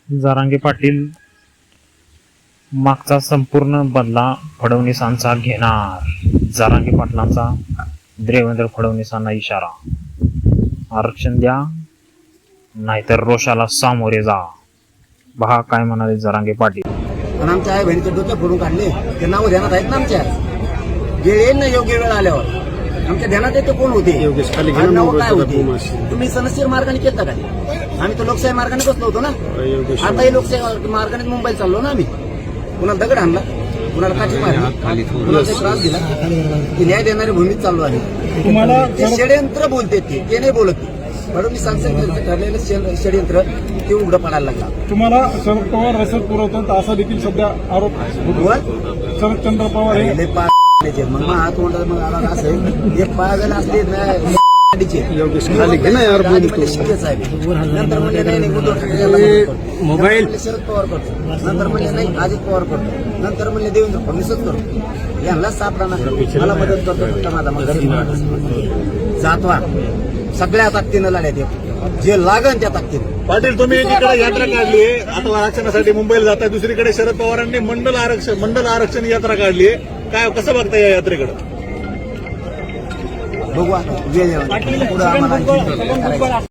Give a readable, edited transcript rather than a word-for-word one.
जरांगे पाटील मागचा संपूर्ण बदला फडणवीसांचा घेणार. जरांगे पाटलांचा देवेंद्र फडणवीसांना इशारा. आरक्षण द्या नाहीतर रोषाला सामोरे जा. पहा काय म्हणाले जरांगे पाटील. आणि आमच्या आई बहिणीचे डोके फोडून काढले ते नाव ध्यानात आहेत ना आमच्या. जे येईल ना योग्य वेळ आल्यावर आमच्या ध्यानात येते कोण होते नाव काय होते. तुम्ही सनसीर मार्गाने केलं का? आम्ही तर लोकशाही मार्गाने बसलो होतो ना. आताही लोकशाही मार्गाने मुंबईला चाललो ना आम्ही. कुणाला दगड आणला, कुणाला काठी मारली, कुणाला त्रास दिला. ती न्याय देणारी भूमीत चाललो आम्ही. तुम्हाला ते षडयंत्र बोलते ते नाही बोलत. फडणवीस सांगतात ठरलेलं षडयंत्र ते उघडं पडायला लागला. तुम्हाला शरद पवार रसद पुरवतात असा देखील सध्या आरोप. शरदचंद्र पवार हे मग हात तोंडात मग आला असं हे पागल असले मोबाईल शरद पवार करतो, नंतर म्हणले नाही अजित पवार करतो, नंतर म्हणले देवेंद्र फडणवीसच करतो. यांना सापडा मला मदत करतो माझा मग जातवा सगळ्या ताकदीनं लढ्यात जे लागन त्या ताकदीनं. पाटील तुम्ही एकीकडे यात्रा काढली आहे, आता आरक्षणासाठी मुंबईला जाताय, दुसरीकडे शरद पवारांनी मंडल आरक्षण यात्रा काढली आहे. काय कसं बघता या यात्रेकडे? बघू आता वेळ पुढे आम्हाला